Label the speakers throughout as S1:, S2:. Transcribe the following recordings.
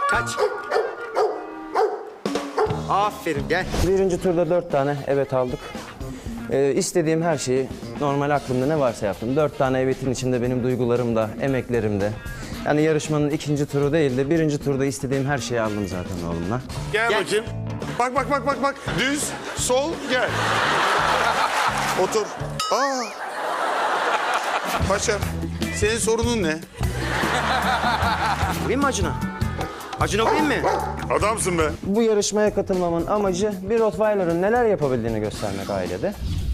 S1: Kaç. Aferin, gel.
S2: Birinci turda 4 tane evet aldık. İstediğim her şeyi normal aklımda ne varsa yaptım. 4 tane evetin içinde benim duygularım da, emeklerim de. Yani yarışmanın ikinci turu değil de birinci turda istediğim her şeyi aldım zaten oğlumla.
S3: Gel,
S1: Gel.
S3: bakayım. Bak. Düz, sol, gel. Otur. Aa. Paşa, senin sorunun ne?
S1: Vurayım mı Acun'a? Acun'a vurayım mı?
S3: Adamsın be.
S2: Bu yarışmaya katılmamın amacı bir Rottweiler'ın neler yapabildiğini göstermek ailede.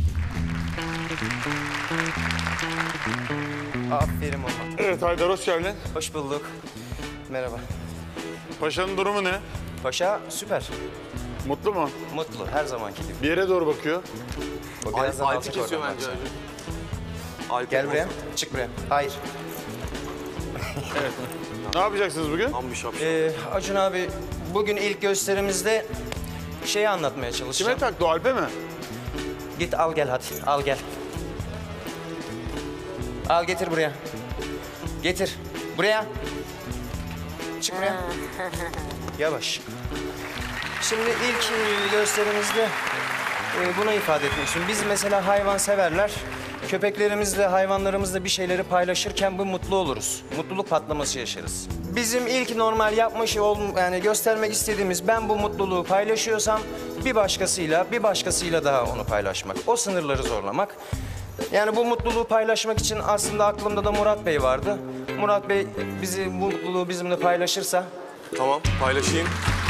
S1: Aferin oğlum.
S3: Evet Haydar, hoş geldin.
S1: Hoş bulduk. Merhaba.
S3: Paşa'nın durumu ne?
S1: Paşa süper.
S3: Mutlu mu?
S1: Mutlu, her zamanki gibi.
S3: Bir yere doğru bakıyor.
S1: O birazdan
S4: Alp'i
S1: alacak
S4: kesiyor
S1: oradan
S4: bence.
S1: bak.
S4: Alp'i
S1: Gel buraya,
S4: bozuyor.
S1: çık buraya. Hayır.
S3: Ne yapacaksınız bugün?
S4: Tam bir şapşal.
S1: Acun abi, bugün ilk gösterimizde şeyi anlatmaya çalışacağım.
S3: Kime taktı o, Alp'e mi?
S1: Git al gel hadi, al gel. Al getir buraya. Getir. Buraya. Çık buraya. Yavaş. Şimdi ilk gösterimizde bunu ifade etmek istiyorum. Biz mesela hayvan severler. Köpeklerimizle, hayvanlarımızla bir şeyleri paylaşırken bu mutlu oluruz. Mutluluk patlaması yaşarız. Bizim ilk normal yani göstermek istediğimiz, ben bu mutluluğu paylaşıyorsam bir başkasıyla daha onu paylaşmak. O sınırları zorlamak. Yani bu mutluluğu paylaşmak için aslında aklımda da Murat Bey vardı. Murat Bey bu mutluluğu bizimle paylaşırsa
S4: Tamam, paylaşayım.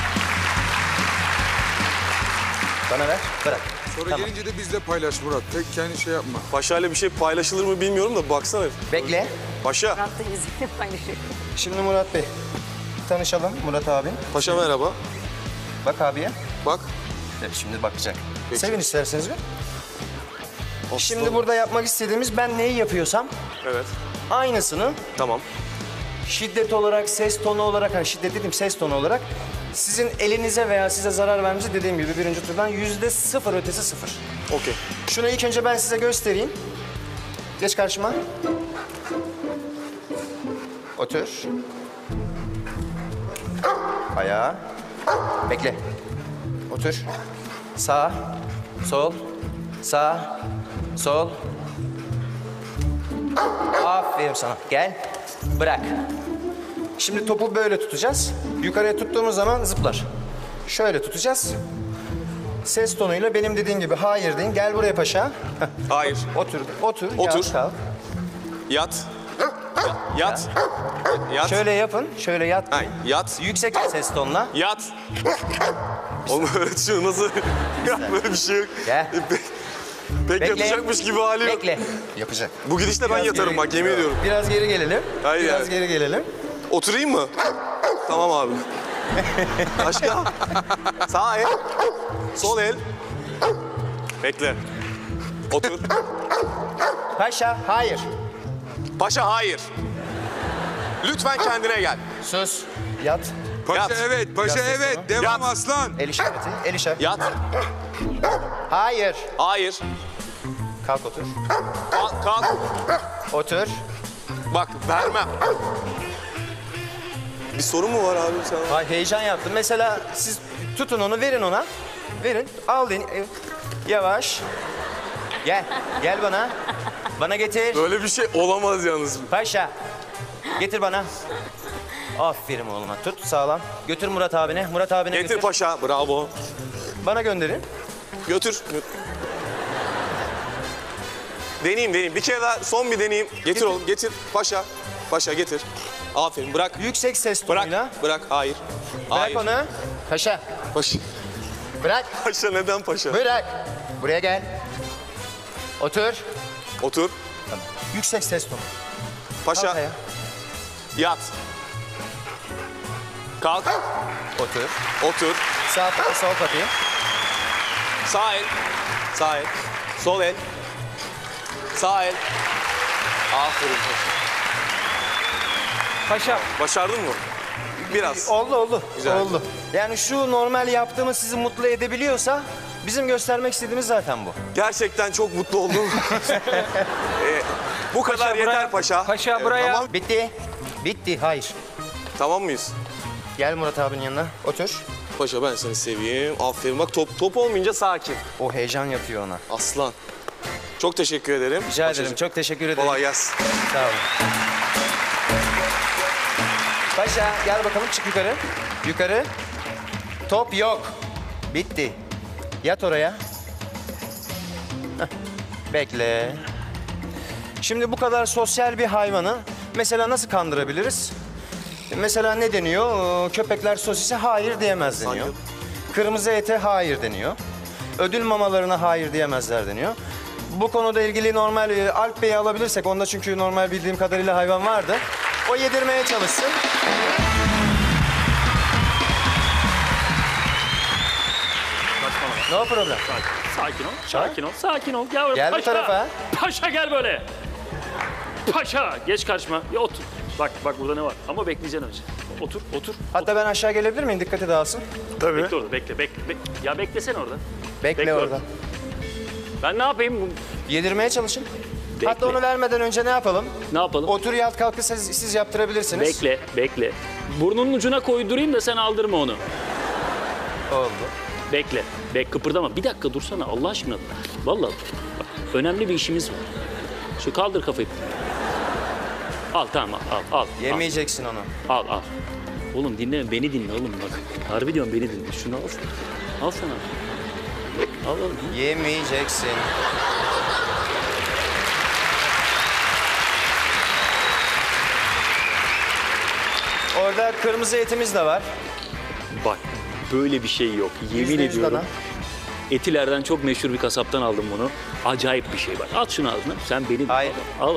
S1: bana ver, bırak.
S5: Sonra
S1: Tamam.
S5: gelince de bizle paylaş Murat. Tek kendi şey yapma.
S4: Paşa'yla bir şey paylaşılır mı bilmiyorum da baksana.
S1: Bekle.
S4: Paşa,
S6: Murat da yüzünü paylaşıyor.
S1: Şimdi Murat Bey, tanışalım Murat abi.
S4: Paşa merhaba.
S1: Bak abiye.
S4: Bak.
S1: Evet, şimdi bakacak.
S4: Peki.
S1: Sevin isterseniz bir. Şimdi burada yapmak istediğimiz, ben neyi yapıyorsam
S4: Evet,
S1: aynısını
S4: tamam.
S1: şiddet olarak, ses tonu olarak, hani şiddet dedim ses tonu olarak sizin elinize veya size zarar vermenize dediğim gibi birinci turdan %0 ötesi 0.
S4: Okey.
S1: Şunu ilk önce ben size göstereyim. Geç karşıma. Otur. Ayağa. Bekle. Otur. Sağ, sol, sağ, sol. Aferin sana. Gel. Bırak. Şimdi topu böyle tutacağız. Yukarıya tuttuğumuz zaman zıplar. Şöyle tutacağız. Ses tonuyla benim dediğim gibi hayır deyin. Gel buraya paşa. Heh.
S4: Hayır.
S1: Otur. Otur.
S4: Otur.
S1: Yat, kalk.
S4: Yat. Yat. Yat.
S1: Şöyle yapın. Şöyle yat.
S4: Ha, yat.
S1: Yüksek ses tonla.
S4: Yat. Oğlum öğretiyor nasıl? Ya böyle bir şey yok.
S1: Gel.
S4: Pek
S1: Bekle.
S4: yatacakmış gibi hali yok.
S1: Bekle. Yapacak.
S4: Bu gidişle ben
S1: Biraz
S4: yatarım
S1: geri-
S4: bak yemin ediyorum.
S1: Biraz geri gelelim.
S4: Hayır
S1: Biraz
S4: yani.
S1: geri gelelim.
S4: Oturayım mı? Tamam abi. Başka? Sağ el. Sol el. Bekle. Otur.
S1: Paşa, hayır.
S4: Paşa hayır. Lütfen kendine gel.
S1: Sus. Yat.
S5: Paşa
S4: Yat.
S5: evet, paşa
S1: Yat
S5: evet.
S1: sesini.
S5: Devam
S4: Yat.
S5: aslan.
S1: El işareti. El işareti.
S4: Yat.
S1: Hayır.
S4: Hayır.
S1: Kalk otur.
S4: Kalk.
S1: Otur.
S4: Bak vermem. Bir sorun mu var abi sana?
S1: Ay, heyecan yaptım. Mesela siz tutun onu, verin ona. Verin. Al deyin. Yavaş. Gel. Gel bana. Bana getir.
S4: Böyle bir şey olamaz yalnız.
S1: Paşa. Getir bana. Aferin oğluma. Tut sağlam. Götür Murat abine. Murat abine
S4: Getir
S1: götür.
S4: paşa. Bravo.
S1: Bana gönderin.
S4: Götür. Deneyeyim. Bir kere daha son bir deneyeyim. Getir oğlum. Getir. Paşa. Paşa getir. Aferin. Bırak.
S1: Yüksek ses
S4: Bırak.
S1: tonuyla.
S4: Bırak. Hayır.
S1: Bırak
S4: Hayır.
S1: onu. Paşa.
S4: Paşa.
S1: Bırak.
S4: Paşa neden paşa?
S1: Bırak. Buraya gel. Otur.
S4: Otur.
S1: Yüksek ses tonu.
S4: Paşa.
S1: Kalk ayağa.
S4: Yat. Kalk.
S1: Otur.
S4: Otur.
S1: Sağ pati, sol pati.
S4: Sağ el. Sağ el. Sol el. Sağ el. Aferin paşa.
S1: Paşa.
S4: Başardın mı? Biraz.
S1: Oldu.
S4: Güzel.
S1: Oldu. Yani şu normal yaptığımız sizi mutlu edebiliyorsa bizim göstermek istediğimiz zaten bu.
S4: Gerçekten çok mutlu oldum. Bu kadar yeter paşa.
S1: Paşa buraya. Tamam. Bitti. Bitti. Hayır.
S4: Tamam mıyız?
S1: Gel Murat abinin yanına. Otur.
S4: Paşa ben seni seveyim. Aferin bak top olmayınca sakin.
S1: O heyecan yapıyor ona.
S4: Aslan. Çok teşekkür ederim.
S1: Rica ederim.
S4: Paşacığım.
S1: Çok teşekkür ederim.
S4: Kolay gelsin.
S1: Sağ olun. Paşa gel bakalım, çık yukarı. Yukarı. Top yok. Bitti. Yat oraya. Heh. Bekle. Şimdi bu kadar sosyal bir hayvanı mesela nasıl kandırabiliriz? Mesela ne deniyor? Köpekler sosise hayır diyemez deniyor. Kırmızı ete hayır deniyor. Ödül mamalarına hayır diyemezler deniyor. Bu konuda ilgili normal Alp Bey'i alabilirsek, onda çünkü normal bildiğim kadarıyla hayvan vardı. O yedirmeye çalışsın. No problem.
S6: Sakin ol, sakin ol, sakin ol. Gel,
S1: Gel bu
S6: paşa.
S1: tarafa.
S6: Paşa gel böyle. Paşa, geç karşıma. Ya otur. Bak burada ne var? Ama bekleyeceksin önce. Otur.
S1: Hatta ben aşağı gelebilir miyim? Dikkati dağılsın.
S3: Tabii.
S6: Bekle orada, bekle. Ya beklesene orada.
S1: Bekle,
S6: Bekle
S1: orada.
S6: Ben ne yapayım?
S1: Yedirmeye çalışın.
S6: Bekle.
S1: Hatta onu vermeden önce ne yapalım?
S6: Ne yapalım?
S1: Otur, yat, kalkı siz yaptırabilirsiniz.
S6: Bekle. Burnunun ucuna koydurayım da sen aldırma onu.
S1: Oldu.
S6: Bekle. Kıpırdama. Bir dakika dursana Allah aşkına. Vallahi bak, önemli bir işimiz var. Şu kaldır kafayı. Al tamam al.
S1: Yemeyeceksin onu.
S6: Al. Oğlum dinle, beni dinle oğlum bak. Harbi diyorum beni dinle. Şunu al. Al sana. Al.
S1: Yemeyeceksin. Orada kırmızı etimiz de var.
S6: Bak böyle bir şey yok. Yemin
S1: %100
S6: ediyorum.
S1: dana.
S6: Etilerden çok meşhur bir kasaptan aldım bunu. Acayip bir şey var. At şunu ağzına. Sen beni dinle.
S1: Hayır.
S6: Al.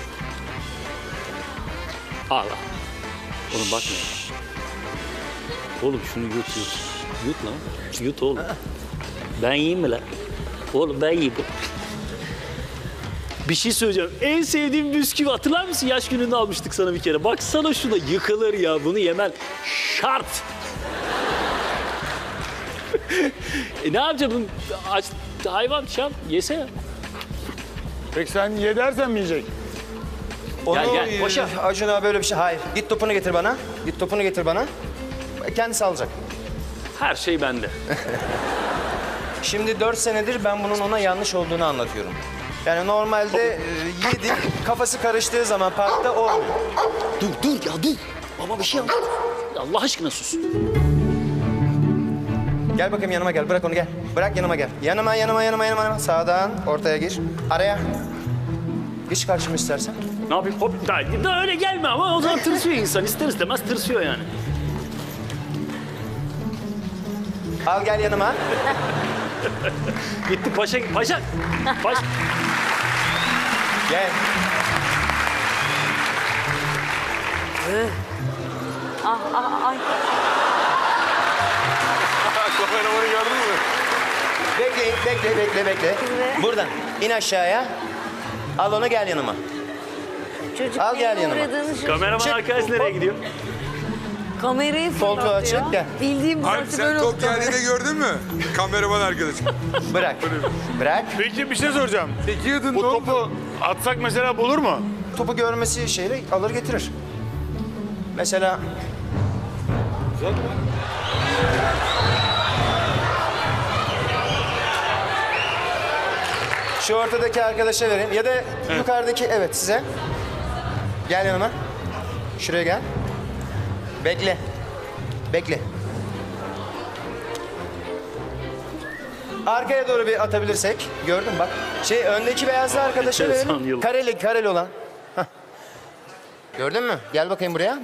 S6: Al. Oğlum bakma. Oğlum şunu yut. Yut lan. Yut oğlum. Ben yiyeyim mi lan? Oğlum ben yiyeyim. Bir şey söyleyeceğim. En sevdiğim bisküvi hatırlar mısın? Yaş gününde almıştık sana bir kere. Baksana şuna yıkılır ya. Bunu yemen şart. Ne yapacağım? Bunu aç, hayvan şart. Yesene.
S3: Peki sen ye dersen mi yiyecek?
S1: Onu
S6: Gel, boşa.
S1: Acun abi böyle bir şey. Hayır. Git topunu getir bana. Kendisi alacak.
S6: Her şey bende.
S1: Şimdi 4 senedir ben bunun ona yanlış olduğunu anlatıyorum. Yani normalde yedi, kafası karıştığı zaman parkta olmuyor.
S6: Dur ya dur. Baba bir şey yap. Allah aşkına sus.
S1: Gel bakayım yanıma gel. Bırak onu gel. Bırak yanıma gel. Yanıma. Sağdan ortaya gir. Araya. Geç karşıma istersen.
S6: Ne yapayım? Hop da öyle gelme ama o zaman tırsıyor insan. İster istemez tırsıyor yani.
S1: Al gel yanıma.
S6: Gitti paşa.
S1: Gel.
S7: Ay.
S3: Kameramanı gördün mü?
S1: Bekle. Buradan in aşağıya. Al onu gel yanıma.
S7: Çocuk
S1: Al gel
S7: neye
S1: yanıma.
S7: uğradığını şaşırdı.
S6: Kameraman
S1: Çık.
S6: arkadaş nereye gidiyor?
S7: Kamerayı
S1: Koltuğu
S7: fırlatıyor.
S1: açık, gel.
S7: Bildiğim
S5: Alp
S7: burası
S5: sen
S7: böyle
S5: top
S7: oldu.
S5: geldiğinde gördün mü? Kameraman arkadaşım.
S1: Bırak.
S3: Peki bir şey soracağım.
S5: Peki yadın
S3: Bu
S5: ne oldu?
S3: topu atsak mesela bulur mu?
S1: Topu görmesi şeyle alır getirir. Mesela şu ortadaki arkadaşa vereyim ya da yukarıdaki, evet, size. Gel yanıma. Şuraya gel. Bekle. Arkaya doğru bir atabilirsek. Gördün bak. Öndeki beyazlı arkadaşa
S6: Enteresan
S1: verelim.
S6: yıl.
S1: Kareli olan. Hah. Gördün mü? Gel bakayım buraya.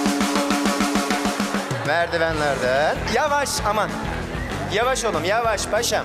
S1: Merdivenlerden. Yavaş, aman. Yavaş oğlum, yavaş paşam.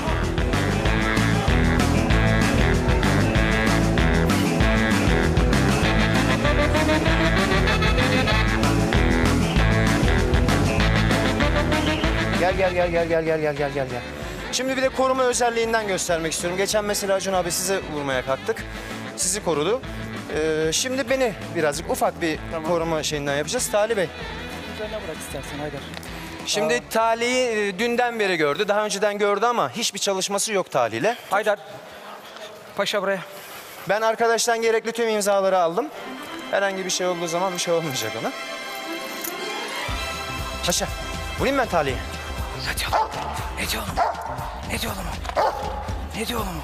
S1: Gel. Şimdi bir de koruma özelliğinden göstermek istiyorum. Geçen mesela Acun abi size vurmaya kalktık. Sizi korudu. Şimdi beni birazcık ufak bir koruma şeyinden yapacağız. Talih Bey.
S8: Üzerine bırak istersen Haydar.
S1: Şimdi Talih'i dünden beri gördü. Daha önceden gördü ama hiçbir çalışması yok Talih'le.
S8: Haydar. Paşa buraya.
S1: Ben arkadaştan gerekli tüm imzaları aldım. Herhangi bir şey olduğu zaman bir şey olmayacak ona. Paşa. Vurayım ben taliye.
S8: Ne diyor oğlum? Ne diyor oğlum? Ne diyor oğlum? Ne diyor oğlum?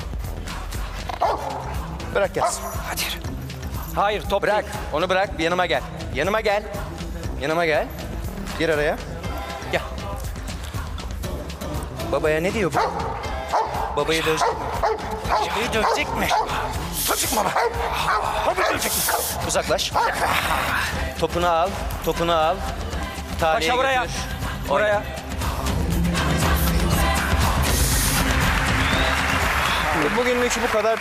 S1: Bırak gelsin.
S8: Hadi yürü. Hayır top
S1: Bırak.
S8: değil.
S1: Onu bırak. Bir yanıma gel. Yanıma gel. Yanıma gel. Gir araya. Gel. Babaya ne diyor bu? Babayı dövecek mi? Babayı dövecek mi? Dövecek mi baba? Babayı dövecek mi? Uzaklaş. Topunu al. Topunu al. Taliye
S8: Paşa buraya.
S1: götür.
S8: Buraya.
S1: Bugünlük bu kadar.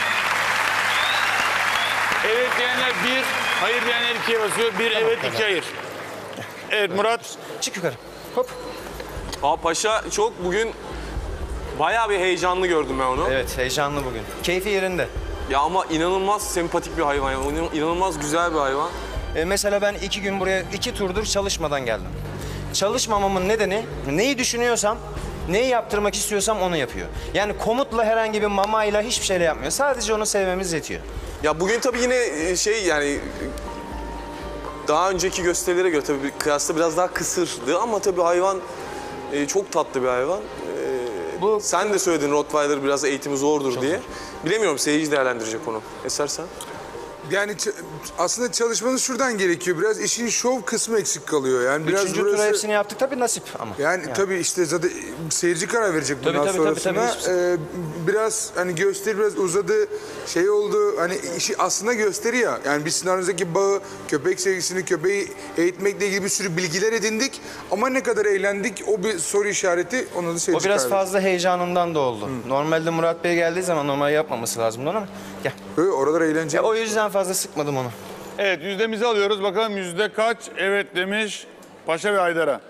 S3: Evet diyenler 1, hayır diyenler 2'ye basıyor. 1 evet, 2 hayır. Evet Murat.
S1: Çık yukarı. Hop.
S4: Aa, Paşa çok bugün bayağı bir heyecanlı gördüm ben onu.
S1: Evet, heyecanlı bugün. Keyfi yerinde.
S4: Ya ama inanılmaz sempatik bir hayvan. Yani. İnanılmaz güzel bir hayvan.
S1: Mesela ben 2 gün buraya 2 turdur çalışmadan geldim. Çalışmamamın nedeni neyi düşünüyorsam, neyi yaptırmak istiyorsam onu yapıyor. Yani komutla herhangi bir mamayla hiçbir şeyle yapmıyor. Sadece onu sevmemiz yetiyor.
S4: Ya bugün tabii yine şey yani daha önceki gösterilere göre tabii kıyasla biraz daha kısırdı ama tabii hayvan çok tatlı bir hayvan. Sen de söyledin Rottweiler biraz eğitimi zordur diye. Bilemiyorum, seyirci değerlendirecek onu. Eser sen?
S5: Yani aslında çalışmanız şuradan gerekiyor. Biraz işin şov kısmı eksik kalıyor. Yani biraz
S1: Üçüncü tura hepsini yaptık tabii nasip ama.
S5: Yani tabii işte zaten seyirci karar verecek bundan
S1: Tabii,
S5: sonrasına.
S1: tabii.
S5: Biraz hani gösteri biraz uzadı, şey oldu. Hani işi aslında gösteri ya. Yani biz sizin aranızdaki bağı, köpek sevgisini, köpeği eğitmekle ilgili bir sürü bilgiler edindik. Ama ne kadar eğlendik o bir soru işareti. Onu da seyirci
S1: O biraz
S5: karar verecek.
S1: fazla heyecanından da oldu. Normalde Murat Bey geldiği zaman normal yapmaması lazımdı ama gel.
S5: Oralar eğlenceli.
S1: O yüzden fazla sıkmadım onu.
S3: Evet yüzdemizi alıyoruz. Bakalım yüzde kaç evet demiş Paşa ve Haydar'a.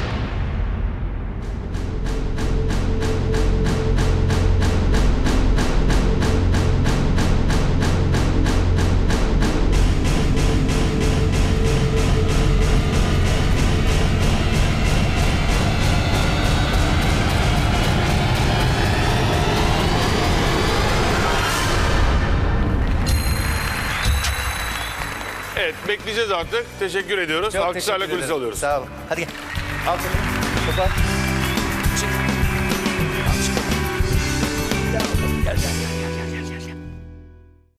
S3: Evet bekleyeceğiz artık. Teşekkür ediyoruz.
S1: Çok
S3: Alkışlarla
S1: teşekkür
S3: kulise
S1: ederim.
S3: alıyoruz.
S1: Sağ olun. Hadi gel. Al seni. Topu al. Çık. Al, çık. Gel, gel, gel.